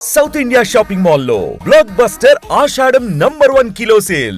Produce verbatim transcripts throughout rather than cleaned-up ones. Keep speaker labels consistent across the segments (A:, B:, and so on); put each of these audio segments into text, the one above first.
A: South India shopping మాల్లో block buster ఆషాఢం number one kilo sale.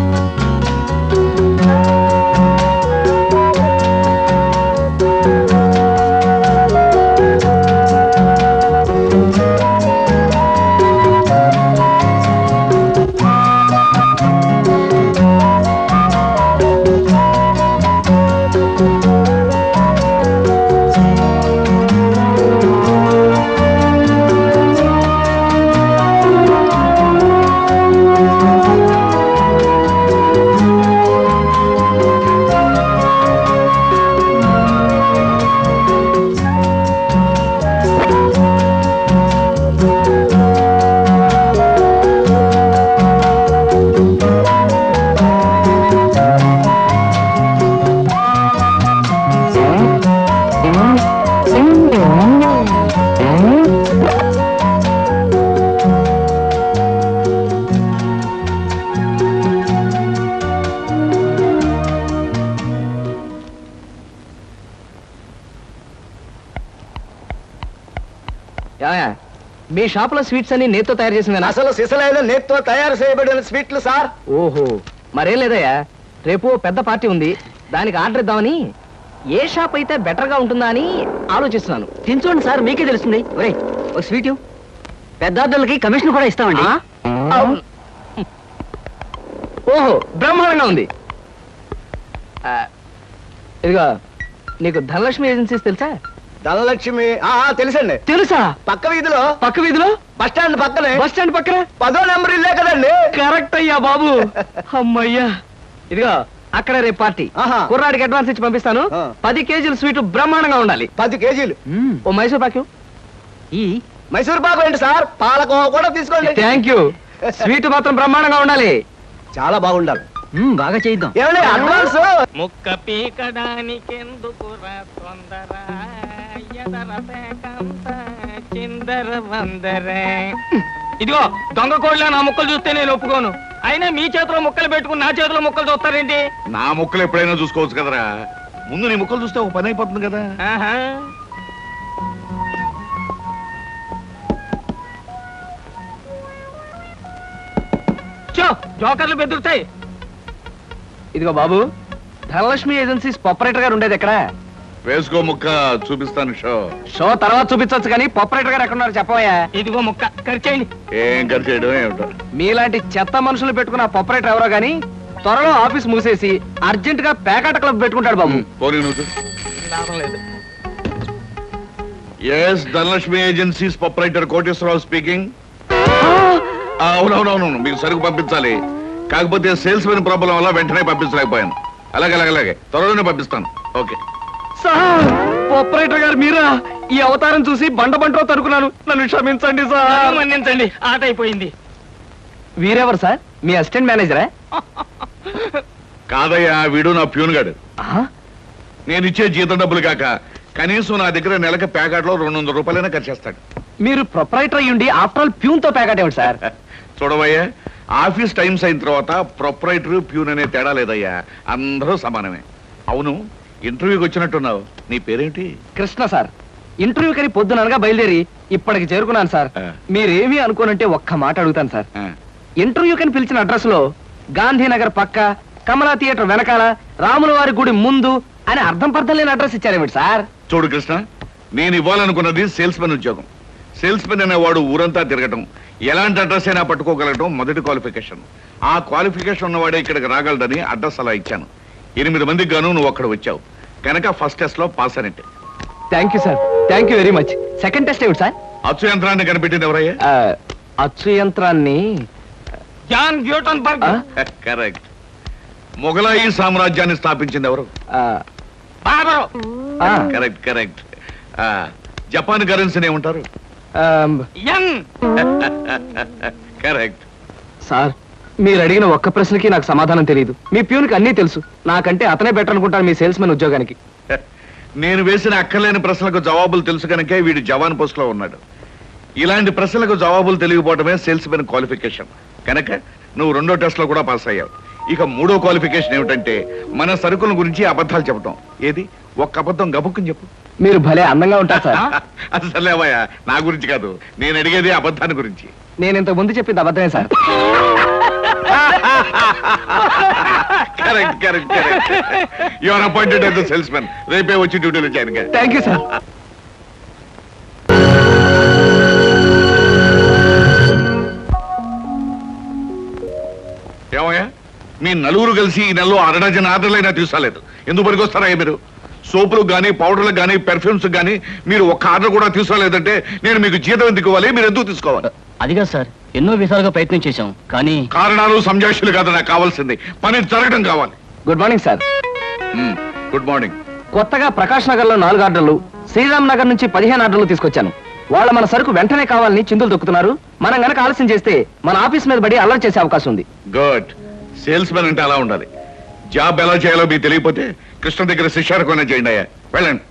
B: మీ షాప్ లో స్వీట్స్ అన్ని నేత్తో తయారు చేసింది.
C: అసలు సిసలైన నేత్తో తయారు చేయబడిన స్వీట్లు సార్.
B: ఓహో, మరేం లేదయ్యా, రేపు పెద్ద పార్టీ ఉంది, దానికి ఆర్డర్ ఇద్దామని. ఏ షాప్ అయితే బెటర్ గా ఉంటుందా అని ఆలోచిస్తున్నాను. తినచూడండి సార్, మీకే తెలుస్తుంది. ఒరే ఒక స్వీట్, పెద్ద ఆర్డర్లకి కమిషన్ కూడా ఇస్తామండి. ఓహో, బ్రహ్మాండంగా ఉంది. ఇదిగో, నీకు ధనలక్ష్మి ఏజెన్సీస్ తెలుసా?
C: ధనలక్ష్మి తెలుసండి.
B: తెలుసా?
C: పక్క వీధిలో
B: పక్క వీధిలో
C: బస్ స్టాండ్ పక్కనే.
B: బస్ స్టాండ్ పక్కన
C: పదో నెంబర్ ఇల్లే కదండి.
B: కరెక్ట్ అయ్యా బాబు. అమ్మయ్యా, ఇదిగో అక్కడ రేపు పార్టీ. కుర్రాడికి అడ్వాన్స్ ఇచ్చి పంపిస్తాను. పది కేజీలు స్వీట్ బ్రహ్మాండంగా ఉండాలి.
C: పది కేజీలు
B: ఓ మైసూర్ పాకు. ఈ
C: మైసూర్ పాకు ఏంటి సార్, పాలకోవా కూడా తీసుకోండి.
B: Thank you. స్వీట్ మాత్రం బ్రహ్మాండంగా ఉండాలి.
C: చాలా బాగుండాలి.
B: బాగా చేద్దాం.
C: ఏమండి అడ్వాన్స్?
D: ముక్క పీకడానికి ఎందుకురా తొందర, చిందర వందరే. ఇదిగో దొంగ కోళ్ళ నా ముక్కలు చూస్తే నేను ఒప్పుకోను. అయినా మీ చేతిలో ముక్కలు పెట్టుకుని నా చేతిలో ముక్కలు చూస్తారేంటి?
E: నా ముక్కలు ఎప్పుడైనా చూసుకోవచ్చు కదరా, ముందు నీ ముక్కలు చూస్తే ఒక పని అయిపోతుంది కదా.
D: చో, జోకర్లు బెదురుతాయి.
B: ఇదిగో బాబు, ధనలక్ష్మి ఏజెన్సీస్ ప్రొపరేటర్ గారు ఉండేది ఎక్కడ?
E: వేసుకో ముక్క, చూపిస్తాను. షో
B: షో తర్వాత చూపించవచ్చు కానీ ప్రొపరేటర్ గారు ఎక్కడున్నారు చెప్పవయ్యా.
D: ఇదిగో ముక్క ఖర్చేయండి.
E: ఏం ఖర్చు చేయడం ఏమిటో.
B: మీలాంటి చెత్త మనుషులు పెట్టుకున్న ప్రొపరేటర్ ఎవరో గానీ త్వరలో ఆఫీస్ మూసేసి అర్జెంట్ గా పేకాట క్లబ్ పెట్టుకుంటాడు బాబు.
E: పోనీ నువ్వు. Yes, Dhanalakshmi agencies proprietor Koteswararao speaking. అవునవునవును, మీకు సరుకు పంపించాలి, కాకపోతే సేల్స్ మెన్ ప్రాబ్లం వల్ల వెంటనే పంపించలేకపోయాను. అలాగే అలాగే అలాగే త్వరలోనే పంపిస్తాను. ఓకే
B: సార్, ఆపరేటర్ గారు మీరా? ఈ అవతారం చూసి బండ బంటో తరుకున్నాను, నన్ను క్షమించండి సార్.
D: మన్నించండి, ఆట అయిపోయింది.
B: వీరెవరు సార్? మీ అసిస్టెంట్ మేనేజరా?
E: కాదయ్యా, వీడు నా ప్యూన్ గాడు. నేను ఇచ్చే జీతం డబ్బులు కాక కనీసం నా దగ్గర నెలకి ప్యాకెట్లో రెండు వందల రూపాయలైనా ఖర్చు చేస్తాడు.
B: మీరు ప్రొపరైటర్ అయ్యుండి ఆఫ్టర్ ఆల్ ప్యూన్ తో ప్యాకెట్ ఏమిటి సార్?
E: చూడవయ్యా, ఆఫీస్ టైమ్స్ అయిన తర్వాత ప్రొపరైటర్ ప్యూన్ అనే తేడా లేదయ్యా, అందరూ సమానమే. అవును, ఇంటర్వ్యూకి వచ్చినట్టున్నావు, నీ పేరేంటి?
B: కృష్ణ సార్. ఇంటర్వ్యూ కని పొద్దుననగా బయలుదేరి ఇప్పటికి చేరుకున్నాను సార్. మీరేమీ అనుకోనంటే ఒక్క మాట అడుగుతాను సార్. ఇంటర్వ్యూ కని పిలిచిన అడ్రస్ లో గాంధీనగర్ పక్క, కమలా థియేటర్ వెనకాల, రాముల వారి గుడి ముందు అని అర్థం పర్థం లేని అడ్రస్ ఇచ్చారేమిటి సార్?
E: చూడు కృష్ణ, నేను ఇవ్వాలనుకున్నది సేల్స్ మెన్ ఉద్యోగం. సేల్స్ మెన్ అనేవాడు ఊరంతా తిరగటం, ఎలాంటి అడ్రస్ అయినా పట్టుకోగలగటం మొదటి క్వాలిఫికేషన్. ఆ క్వాలిఫికేషన్ ఉన్నవాడే ఇక్కడికి రాగలడని అడ్రస్ అలా ఇచ్చాను. ఎనిమిది మందికి గాను నువ్వు అక్కడ వచ్చావు కనుక ఫస్ట్ టెస్ట్ లో పాస్ అనేట్టే.
B: Thank you sir, thank you very much. Second test ఏమిటి సార్?
E: అచ్చు యంత్రాన్ని కనిపెట్టింది ఎవరయ్యా?
B: అచ్చు యంత్రాన్ని
D: జాన్ గ్యూటన్బర్గ్.
E: కరెక్ట్. మొఘలాయి సామ్రాజ్యాన్ని స్థాపించింది ఎవరు?
D: బాబరు.
E: Correct correct. జపాన్ కరెన్సీని ఏమంటారు?
D: యం.
E: కరెక్ట్.
B: సార్, మీరు అడిగిన ఒక్క ప్రశ్నకి నాకు సమాధానం తెలియదు. మీ ప్యూన్కి అన్నీ తెలుసు, నాకంటే అతనే బెటర్ అనుకుంటాను మీ సేల్స్ మెన్ ఉద్యోగానికి.
E: నేను వేసిన అక్కర్లేని ప్రశ్నలకు జవాబులు తెలుసు కనుకే వీడు జవాన్ పోస్ట్ లో ఉన్నాడు. ఇలాంటి ప్రశ్నలకు జవాబులు తెలియకపోవడమే సేల్స్ మెన్ క్వాలిఫికేషన్. కనుక నువ్వు రెండో టెస్ట్ లో కూడా పాస్ అయ్యావు. ఇక మూడో క్వాలిఫికేషన్ ఏమిటంటే మన సరుకుల గురించి అబద్ధాలు చెప్పడం. ఏది ఒక్క అబద్ధం గబుక్కుని చెప్పు.
B: మీరు భలే అందంగా ఉంటారు సార్.
E: అసలేవయ్యా నా గురించి కాదు, నేను అడిగేది అబద్ధాన్ని గురించి.
B: నేను ఇంతకు ముందు చెప్పింది అబద్ధమే sir.
E: Correct correct correct. You are appointed as the salesmen. రేపే వచ్చి డ్యూటీలో జాయిన్ గా.
B: Thank you sir.
E: ఏమయ్యా మీ నలుగురు కలిసి ఈ నెలలో అరడజన్ ఆర్డర్లైనా తీసుకోలేదు. ఎందుకు పనికొస్తారా మీరు? సోపులకు కానీ పౌడర్లకు కానీ పెర్ఫ్యూమ్స్ కానీ మీరు ఒక్క ఆర్డర్ కూడా తీసుకోలేదంటే నేను మీకు జీతం ఎందుకు ఇవ్వాలి? మీరు ఎందుకు తీసుకోవాలి?
F: అదిగా సార్, ఎన్నో విధాలుగా ప్రయత్నం చేశాం కానీ
E: కారణాలు సంజాషులు కాదు నాకు కావాల్సింది, పని జరగడం కావాలి.
B: Good morning sir.
E: Good morning.
B: కొత్తగా ప్రకాష్ నగర్ లో నాలుగు ఆర్డర్లు, శ్రీరామ్ నగర్ నుంచి పదిహేను ఆర్డర్లు తీసుకొచ్చాను. వాళ్ళ మన సరుకు వెంటనే కావాలని చిందులు దొక్కుతున్నారు. మనం గనక ఆలస్యం చేస్తే మన ఆఫీస్ మీద పడి అల్లరి చేసే అవకాశం ఉంది.
E: గుడ్. సేల్స్ మెన్ అంటే అలా ఉండాలి. జాబ్ ఎలా చేయాలో మీకు తెలియకపోతే కృష్ణ దగ్గర శిష్యారకమైనా చేయండి అయ్యా. వెళ్ళండి.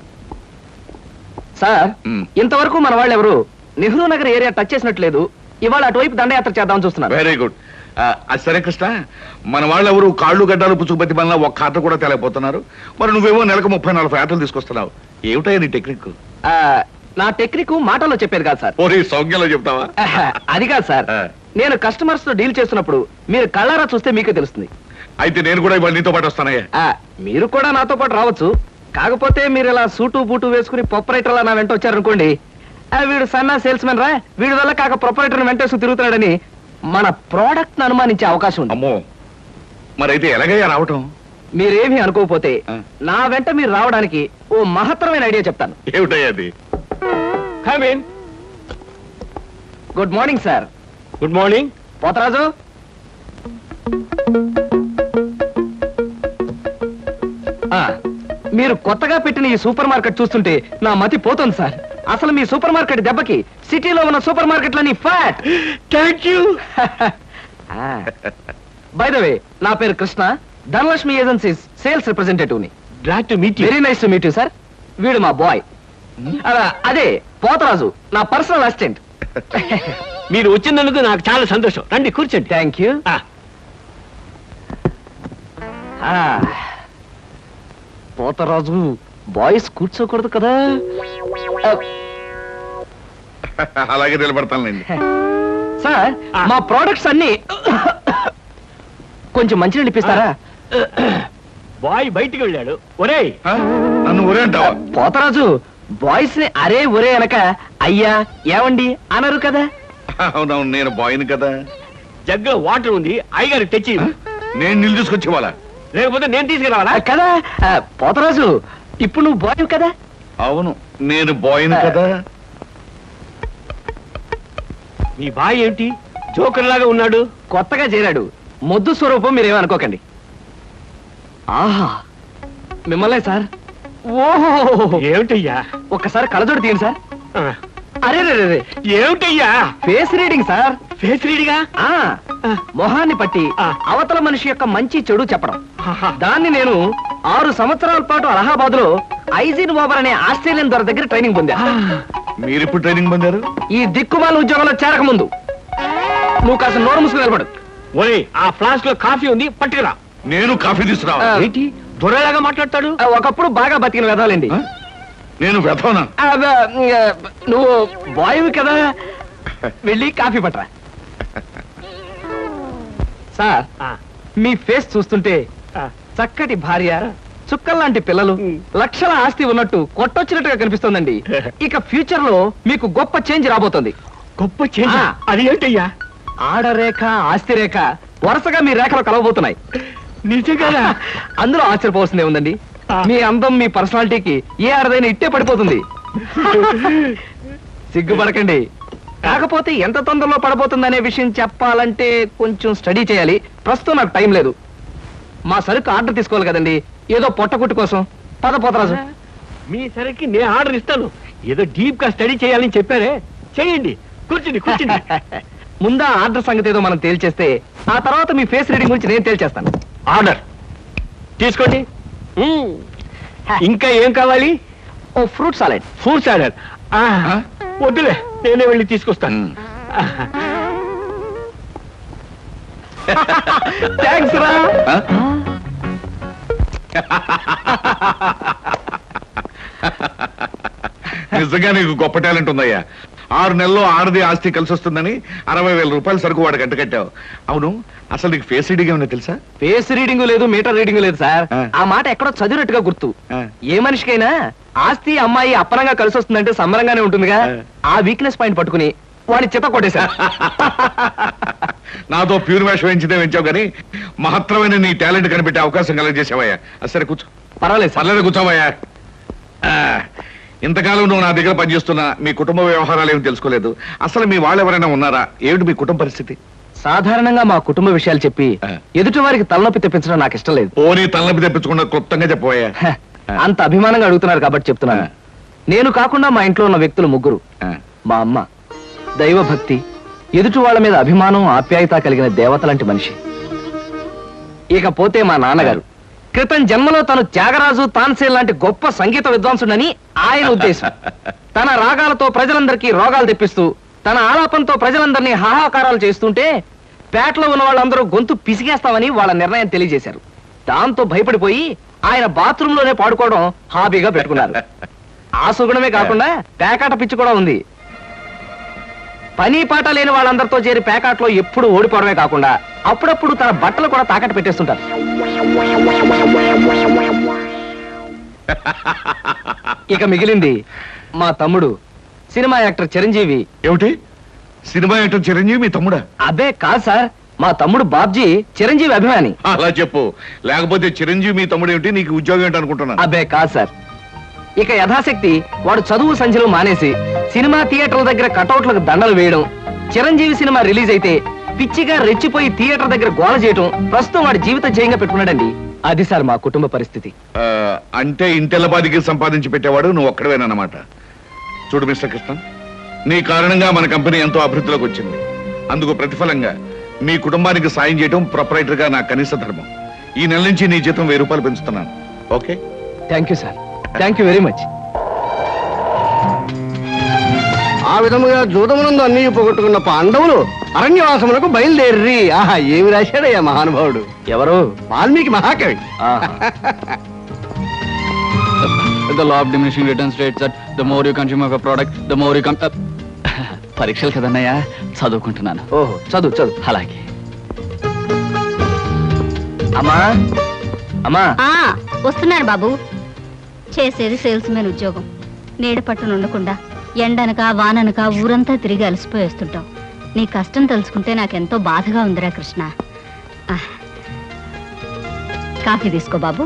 B: సార్
E: మ్మ్.
B: ఇంతవరకు మన వాళ్ళు ఎవరు నెహ్రూ నగర్ ఏరియా టచ్ చేసినట్లేదు. ఇవాళ అటువైపు దండయాత్ర చేద్దామని చూస్తున్నారు.
E: Very good. అది సరే కృష్ణ, మన వాళ్ళు ఎవరు కాళ్ళు గడ్డాలు పుచ్చుకుపతి వల్ల ఒక్క ఆట కూడా తెలియపోతున్నారు. మరి నువ్వేమో నెలకు ముప్పై నలభై ఆటలు తీసుకొస్తున్నావు. ఏమిటయ్యా నీ టెక్నిక్?
B: ఆ, నా టెక్నిక్ మాటల్లో చెప్పేది కాదు సార్.
E: ఓరి సౌజ్ఞలో చెప్తావా?
B: ఆహా, అది కాదు సార్.
E: ఆ.
B: నేను కస్టమర్స్ తో డీల్ చేస్తున్నప్పుడు మీరు కళ్ళారా చూస్తే మీకే తెలుస్తుంది.
E: అయితే నేను కూడా ఇవాళ నీతో పాటు వస్తానయ్యా.
B: ఆ, మీరు కూడా నాతో పాటు రావచ్చు. కాకపోతే మీరు ఇలా సూటు బూటు వేసుకుని ప్రొపరేటర్లా నా వెంట వచ్చారనుకోండి, ఆ, వీడు సన్నా సేల్స్ మెన్ రా, వీడి వల్ల కాక ప్రొపరేటర్ వెంటేసుకు తిరుగుతున్నాడని మన ప్రోడక్ట్ ను అనుమానించే అవకాశం ఉంది.
E: అమ్మో, మరైతే ఎలాగయ్యా రావటం?
B: మీరేమీ అనుకోకపోతే
E: ఆ.
B: నా వెంట మీరు రావడానికి ఓ మహత్తరమైన ఐడియా చెప్తాను.
E: ఏమిటయ్యా అది?
D: Come in.
B: Good morning sir.
D: Good morning.
B: Potharaju, ఆ, మీరు కొత్తగా పెట్టిన ఈ సూపర్ మార్కెట్ చూస్తుంటే నా మతి పోతుంది సార్. అసలు మీ సూపర్ మార్కెట్ దెబ్బకి సిటీలో ఉన్న సూపర్ మార్కెట్లని ఫ్యాట్.
D: Thank you.
B: By the way, నా పేరు Krishna, Dhanalakshmi agencies sales representative ని.
D: Glad to meet you.
B: Very nice to meet you sir. వీడు మా బాయ్. అదే పోతరాజు, నా పర్సనల్ అసిస్టెంట్.
D: మీరు వచ్చినందుకు నాకు చాలా సంతోషం. రండి కూర్చోండి.
B: Thank you. పోతరాజు, బాయ్స్ కూర్చోకూడదు కదా.
E: అలాగే నిలబడతానులేండి.
B: సార్,
D: ఆ.
B: మా ప్రోడక్ట్స్ అన్ని కొంచెం మంచినీళ్ళు ఇప్పిస్తారా?
D: బాయ్ బయటికి వెళ్ళాడు. ఒరేయ్,
E: ఆ? నన్ను ఊరే అంటావా?
B: పోతరాజు, బాయ్స్ ని అరే ఒరే అనక అయ్యా ఏమండి అనరు కదా.
E: అవునవును, నేను బాయ్ని కదా.
D: జగ్గులో వాటర్ ఉంది, అయ్యగారు తెచ్చి ఇవ్వు.
E: నేను నీళ్ళు తీసుకొచ్చేవాళ్ళ.
D: లేకపోతే నేను తీసుకురావాలా?
B: ఆ, కదా. ఆ, పోతరాజు, ఇప్పుడు నువ్వు బాయ్ కదా.
E: అవును, నేను బాయ్ని కదా.
D: మీ బాయ్ ఏమిటి జోకర్ లాగా ఉన్నాడు?
B: కొత్తగా చేరాడు, మొద్దు స్వరూపం, మీరేమనుకోకండి. ఆహా, మిమ్మల్నే సార్. ఓహో,
D: ఏమిటయ్యా?
B: ఒక్కసారి కళ్ళజోడు తీయండి సార్.
D: ఆ,
B: అరే రే రే,
D: ఏమిటయ్యా?
B: Face reading sir.
D: ఫేస్ రీడిగా?
B: ఆ మొహాన్ని పట్టి
D: ఆ.
B: అవతల మనిషి యొక్క మంచి చెడు చెప్పడం.
D: ఆహా.
B: దాన్ని నేను ఆరు సంవత్సరాల పాటు అలహాబాద్ లో ఐజిన్ ఓవర్ అనే ఆస్ట్రేలియన్ దొర దగ్గర ట్రైనింగ్ పొందా.
E: మీరెప్పుడు ట్రైనింగ్ పొందారు?
B: ఈ దిక్కుమాల ఉద్యోగంలో చేరక ముందు. నువ్వు కాస్త నోరు ముసుగు నిలబడు.
D: ఒరేయ్, ఆ ఫ్లాస్క్ లో కాఫీ ఉంది, పట్టుకురా.
E: నేను కాఫీ తీసుకురావా?
B: ఆ.
D: ఏంటి దొరలాగా మాట్లాడతాడు?
B: ఆ, ఒకప్పుడు బాగా బతికిన వెదాలండి.
E: ఆ? నేను వెతవనా?
B: ఆ, ఆ, నువ్వు బాయ్ కదా, వెళ్ళి కాఫీ పట్టరా. సార్,
D: ఆ,
B: మీ ఫేస్ చూస్తుంటే
D: ఆ.
B: చక్కటి భార్య, చుక్కల్లాంటి పిల్లలు, లక్షల ఆస్తి ఉన్నట్టు కొట్టొచ్చినట్టుగా కనిపిస్తోందండి. ఇక ఫ్యూచర్ లో మీకు గొప్ప చేంజ్ రాబోతుంది.
D: గొప్ప చేంజ్.
B: ఆ.
D: అది ఏంటయ్యా?
B: ఆడరేఖ, ఆస్తి రేఖ వరుసగా మీ రేఖలు కలవబోతున్నాయి.
D: నిజంగా?
B: అందులో ఆశ్చర్యపోవాల్సిందే ఉందండి.
D: ఆ.
B: మీ అందం, మీ పర్సనాలిటీకి ఏ ఆడదైనా ఇట్టే పడిపోతుంది. సిగ్గుపడకండి. కాకపోతే ఎంత తొందరలో పడబోతుందనే విషయం చెప్పాలంటే కొంచెం స్టడీ చేయాలి. ప్రస్తుతం నాకు టైం లేదు. మా సరుకు ఆర్డర్ తీసుకోవాలి కదండి, ఏదో పొట్టకుట్టు కోసం. పద పోతరాజు.
D: మీ సరికి నేను ఆర్డర్ ఇస్తాను. ఏదో డీప్ గా స్టడీ చేయాలని చెప్పారే, చేయండి. కూర్చుని కూర్చుని.
B: ముందా ఆర్డర్ సంగతి ఏదో మనం తేల్చేస్తే ఆ తర్వాత మీ ఫేస్ రీడింగ్ గురించి నేను తేల్చేస్తాను.
D: ఆర్డర్ తీసుకోండి. మ్మ్. ఇంకా ఏం కావాలి?
B: ఓ ఫ్రూట్ సాలెడ్.
D: Fruit salad.
E: ఆ?
D: వద్దులే, నేనే వెళ్ళి తీసుకొస్తాను.
E: ఉమ్.
B: థ్యాంక్స్ రా.
E: ఆ? నిజంగా నీకు గొప్ప టాలెంట్ ఉందయ్యా. ఆరు నెలల్లో ఆడది ఆస్తి కలిసి వస్తుందని అరవై వేల రూపాయల సరుకు వాడికి అంట కట్టావు. అవును, అసలు నీకు ఫేస్ రీడింగ్ ఏమన్నా తెలుసా?
B: ఫేస్ రీడింగ్ లేదు, మీటర్ రీడింగ్ లేదు సార్.
E: ఆ.
B: ఆ మాట ఎక్కడో చదివినట్టుగా గుర్తు.
E: ఆ.
B: ఏ మనిషికైనా ఆస్తి అమ్మాయి అప్పనంగా కలిసి వస్తుందంటే సంబరంగానే ఉంటుందిగా.
E: ఆ.
B: ఆ వీక్నెస్ పాయింట్ పట్టుకుని వాడిని చిత్త కొట్టేశా.
E: నాతో ప్యూర్ వేషం వేయించితే వేయించావు కానీ మహత్తరమైన నీ టాలెంట్ కనిపెట్టే అవకాశం కలగజేసావయ్యా. సరే కూర్చో.
B: పర్వాలేదు సార్.
E: పర్లేదు కూర్చోవయ్యా. ఆ, ఇంతకాలం నువ్వు నా దగ్గర పనిచేస్తున్నా మీ కుటుంబ వ్యవహారాలు ఏమి తెలుసుకోలేదు. అసలు మీ వాళ్ళు ఎవరైనా ఉన్నారా? ఏమిటి మీ కుటుంబ పరిస్థితి?
B: సాధారణంగా మా కుటుంబ విషయాలు చెప్పి
E: ఆ.
B: ఎదుటి వారికి తలనొప్పి తెప్పించడం నాకు ఇష్టం లేదు.
E: పోనీ తలనొప్పి తెప్పించకుండా క్లుప్తంగా చెప్పబోయా.
B: హ, అంత అభిమానంగా అడుగుతున్నారు కాబట్టి చెప్తున్నాను.
E: ఆ.
B: నేను కాకుండా మా ఇంట్లో ఉన్న వ్యక్తులు ముగ్గురు. మా అమ్మ దైవభక్తి, ఎదుటి వాళ్ళ మీద అభిమానం ఆప్యాయత కలిగిన దేవత లాంటి మనిషి. ఇకపోతే మా నాన్నగారు క్రితం జన్మలో తను త్యాగరాజు తాన్సేన్ లాంటి గొప్ప సంగీత విద్వాంసుడని ఆయన ఉద్దేశం. తన రాగాలతో ప్రజలందరికీ రోగాలు తెప్పిస్తూ తన ఆలాపంతో ప్రజలందరినీ హాహాకారాలు చేస్తుంటే పేటలో ఉన్న వాళ్ళందరూ గొంతు పిసిగేస్తామని వాళ్ళ నిర్ణయం తెలియజేశారు. దాంతో భయపడిపోయి ఆయన బాత్రూమ్ లోనే పాడుకోవడం హాబీగా పెట్టుకున్నారు. ఆ సుగుణమే కాకుండా పేకాట పిచ్చి కూడా ఉంది. పని పాట లేని వాళ్ళందరితో చేరి పేకాట్లో ఎప్పుడు ఓడిపోవడమే కాకుండా అప్పుడప్పుడు తన బట్టలు కూడా తాకట్టు పెట్టేస్తుంటారు. ఇక మిగిలింది మా తమ్ముడు సినిమా యాక్టర్ చిరంజీవి.
E: ఏమిటి, సినిమా యాక్టర్ చిరంజీవి మీ తమ్ముడా?
B: అబ్బే కాదు సార్, మా తమ్ముడు బాబ్జీ చిరంజీవి అభిమాని.
E: అలా చెప్పు, లేకపోతే చిరంజీవి మీ తమ్ముడు ఏమిటి, నీకు ఉద్యోగం ఏంటి అనుకుంటున్నాను.
B: అబ్బే కాదు సార్. ఇక యథాశక్తి వాడు చదువు సంధ్యలు మానేసి సినిమా థియేటర్ల దగ్గర కటౌట్లకు దండలు వేయడం, చిరంజీవి సినిమా రిలీజ్ అయితే పిచ్చిగా రెచ్చిపోయి థియేటర్ దగ్గర గోల చేయడం ప్రస్తుతం వాడి జీవిత జయంగా పెట్టుకున్నాడండి. అది సార్ మా కుటుంబ పరిస్థితి.
E: ఆ, అంటే ఇంటెల్లబాదికి సంపాదించి పెట్టేవాడు నువ్వు ఒక్కడవేనన్నమాట. చూడు మిస్టర్ కృష్ణ, నీ కారణంగా మన కంపెనీ ఎంతో అభివృద్ధిలోకి వచ్చింది. అందుకు ప్రతిఫలంగా మీ కుటుంబానికి సాయం చేయడం ప్రొపరైటర్ గా నా కనీస ధర్మం. ఈ నెల నుంచి నీ జీతం వెయ్యి రూపాయలు పెంచుతున్నాను. Okay?
B: Thank you sir, thank you very much.
C: ఆ విధముగా జూదమునందు అన్ని పోగొట్టుకున్న పాండవులు అరణ్యవాసములకు బయలుదేరి. ఆహా, ఏమి రాశాడయ్యా మహానుభావుడు.
B: ఎవరు?
C: వాల్మీకి మహాకవి.
B: ఆహా.
F: The law of diminishing returns states that the more you consume of a product, the more you come. పరీక్షలు కదన్నయ్యా, చదువుకుంటున్నాను.
B: ఓహో, చదువు చదువు.
F: అలాగే.
B: అమ్మా అమ్మా
G: ఆ వస్తున్నాను బాబు. చేసేది సేల్స్ మెన్ ఉద్యోగం. నీడ పట్టున ఉండకుండా ఎండనక వాననక ఊరంతా తిరిగి అలసిపోయి వస్తుంటావు. నీ కష్టం తెలుసుకుంటే నాకెంతో బాధగా ఉందిరా కృష్ణ. ఆ, కాఫీ తీసుకో బాబు.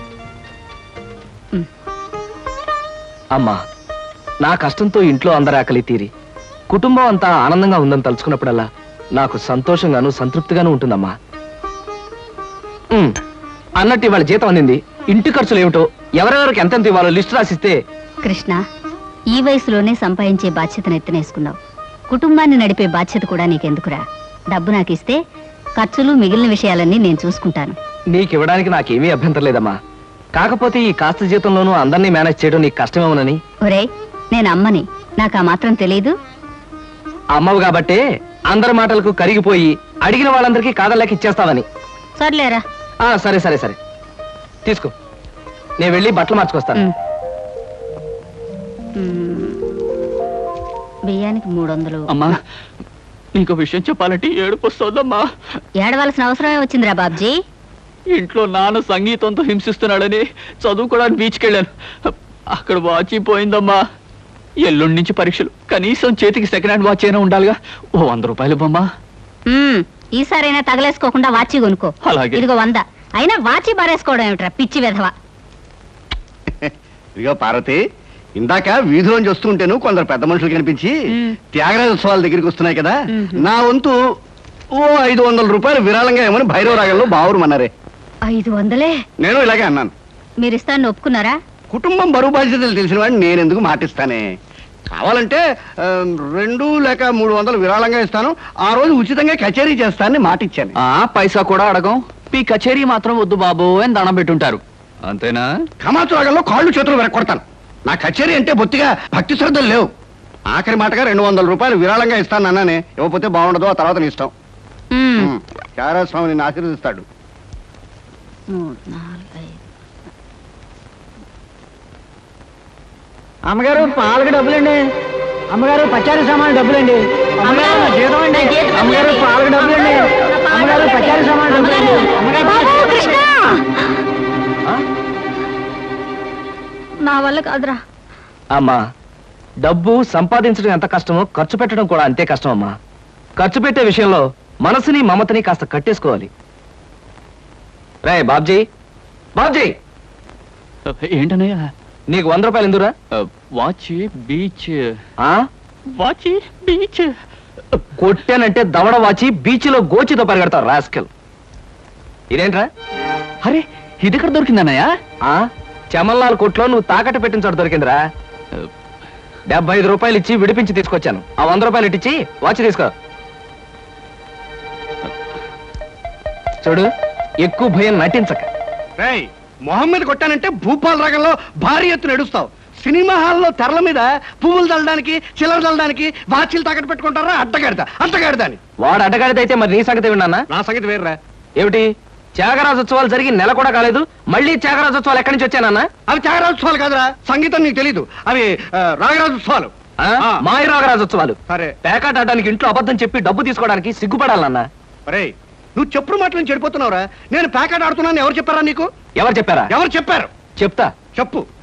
B: అమ్మా, నా కష్టంతో ఇంట్లో అందరి ఆకలి తీరి కుటుంబం అంతా ఆనందంగా ఉందని తలుచుకున్నప్పుడల్లా నాకు సంతోషంగాను సంతృప్తిగాను ఉంటుందమ్మా. ఉమ్, అన్నట్టు ఇవాళ జీతం అందింది. ఇంటి ఖర్చులు ఏమిటో ఎవరెవరికి ఎంతెంత ఇవ్వాలో లిస్టు రాసిస్తే.
G: కృష్ణ, ఈ వయసులోనే సంపాదించే బాధ్యతను ఎత్తనేసుకున్నావు. కుటుంబాన్ని నడిపే బాధ్యత కూడా నీకెందుకురా? డబ్బు నాకు ఇస్తే ఖర్చులు మిగిలిన విషయాలన్నీ నేను చూసుకుంటాను.
B: నీకివ్వడానికి నాకేమీ అభ్యంతరం లేదమ్మా. కాకపోతే ఈ కాస్త జీతంలోనూ అందరినీ మేనేజ్ చేయడం నీకు కష్టమేమోనని.
G: ఒరే, నేను అమ్మని, నాకు ఆ మాత్రం తెలీదు.
B: అమ్మవు కాబట్టే అందరి మాటలకు కరిగిపోయి అడిగిన వాళ్ళందరికీ కాదలేక ఇచ్చేస్తావని.
G: సర్లేరా.
B: ఆ, సరే సరే సరే తీసుకో, నేను వెళ్ళి బట్టలు మార్చుకొస్తాను.
G: ఉమ్. ఉమ్. బియ్యానికి మూడు వందలు.
F: అమ్మా, నీకు విషయం చెప్పాలంటే ఏడుపు వస్తుందమ్మా.
G: ఏడవలసిన అవసరమే వచ్చిందిరా బాబ్జీ.
F: ఇంట్లో నాన్న సంగీతంతో హింసిస్తున్నాడని చదువుకోవడానికి బీచ్కి వెళ్ళాను. అక్కడ వాచ్ పోయిందమ్మా. ఎల్లుండి నుంచి పరీక్షలు, కనీసం చేతికి సెకండ్ హ్యాండ్ వాచ్ అయినా ఉండాలిగా. ఓ వంద రూపాయలు బొమ్మా.
G: ఉమ్, ఈసారైనా తగలేసుకోకుండా వాచి కొనుక్కో.
F: అలాగే.
G: ఇదిగో వంద. అయినా వాచి బారేసుకోవడం ఏమిట్రా పిచ్చి విధవ.
C: ఇదిగో పార్వతి, ఇందాక వీధిలోంచి వస్తుంటేను కొందరు పెద్ద మనుషులు కనిపించి
G: మ్.
C: త్యాగరాజ ఉత్సవాల దగ్గరికి వస్తున్నాయి కదా,
G: మ్మ్.
C: నా వంతు ఓ ఐదు వందల రూపాయలు విరాళంగా ఏమని భైరవ రాగంలో బావురమన్నారే.
G: ఐదు వందలే
C: నేను ఇలాగే అన్నాను.
G: మీరు ఇస్తాను ఒప్పుకున్నారా?
C: కుటుంబం బరువు బాధ్యతలు తెలిసిన వాడిని నేను ఎందుకు మాటిస్తానే. కావాలంటే ఆ, రెండు లేక మూడు వందలు విరాళంగా ఇస్తాను, ఆ రోజు ఉచితంగా కచేరీ చేస్తానని మాటిచ్చాను.
F: ఆ పైసా కూడా అడగం. మీ కచేరీ మాత్రం వద్దు బాబు అని దండం పెట్టుంటారు, అంతేనా?
C: కమాతు రాగంలో కాళ్ళు చేతులు వెరకొడతాను. నా కచేరీ అంటే బొత్తిగా భక్తి శ్రద్ధలు లేవు. ఆఖరి మాటగా రెండు వందల రూపాయలు విరాళంగా ఇస్తాను అన్నానే. ఇవ్వకపోతే బాగుండదు, ఆ తర్వాత నీ ఇష్టం.
G: ఉమ్.
C: త్యాగరాజ స్వామి నిన్ను ఆశీర్వదిస్తాడు.
G: మూడు, నాలుగు, ఐదు.
B: అమ్మగారు పాలకు డబ్బులండి. అమ్మగారు పచారీ సామాన్ డబ్బులండి. అమ్మగారు నా జీతం అండి. అమ్మగారు పాలకు డబ్బులండి. అమ్మగారు పచారీ సామాన్ డబ్బులండి.
G: నా వల్ల కాదురా.
B: అమ్మా, డబ్బు సంపాదించడం ఎంత కష్టమో ఖర్చు పెట్టడం కూడా అంతే కష్టం అమ్మా. ఖర్చు పెట్టే విషయంలో మనసుని మమతని కాస్త కట్టేసుకోవాలి. రే బాబ్జీ, బాబ్జీ,
F: ఏంటనయ్య?
B: నీకు వంద రూపాయలు ఎందురా?
F: Watch beach.
B: ఆ?
F: Watch beach.
B: కొట్టానంటే దవడ వాచి బీచ్లో గోచితో పరిగెడతావు రాస్కెల్. ఇదేంట్రా?
F: అరే, ఇది ఎక్కడ దొరికిందన్నయ్య?
B: ఆ చమల్లాల్ కొట్లో నువ్వు తాకట్టు పెట్టిన చోట దొరికిందిరా. డెబ్బై ఐదు రూపాయలు ఇచ్చి విడిపించి తీసుకొచ్చాను. ఆ వంద రూపాయలు ఇట్టించి వాచ్ తీసుకో. చూడు, ఎక్కువ భయం నటించక.
C: రేయ్, మొహం మీద కొట్టానంటే భూపాల్ రాగంలో భారీ ఎత్తున ఎడుస్తావు. సినిమా హాల్లో తెరల మీద పువ్వులు చల్లడానికి, చిల్లర చల్లడానికి వాచీలు తాకట్టు పెట్టుకుంటారా? అడ్డగాడిదా అడ్డగాడిదా అని.
B: వాడు అడ్డగాడిదైతే మరి నీ సంగతి విన్నానా?
C: నా సంగతి వేర్రా.
B: ఏమిటి, త్యాగరాజోత్సవాలు జరిగి నెల కూడా కాలేదు, మళ్ళీ త్యాగరాజోత్సవాలు ఎక్కడి నుంచి వచ్చానన్నా?
C: అవి త్యాగరాజోత్సవాలు కాదురా, సంగీతం నీకు తెలీదు. అవి ఆ, రాగరాజోత్సవాలు.
B: ఆ?
C: ఆ.
B: మాయ రాగరాజోత్సవాలు.
C: సరే.
B: పేకాట ఆడడానికి ఇంట్లో అబద్ధం చెప్పి డబ్బు తీసుకోవడానికి సిగ్గుపడాలన్నా.
C: రేయ్, నువ్వు చెప్పుడు మాటలను చెడిపోతున్నావురా. నేను ప్యాకెట్ ఆడుతున్నాను ఎవరు చెప్పారా నీకు?
B: ఎవరు చెప్పారా?
C: ఎవరు చెప్పారు?
B: చెప్తా.
C: చెప్పు.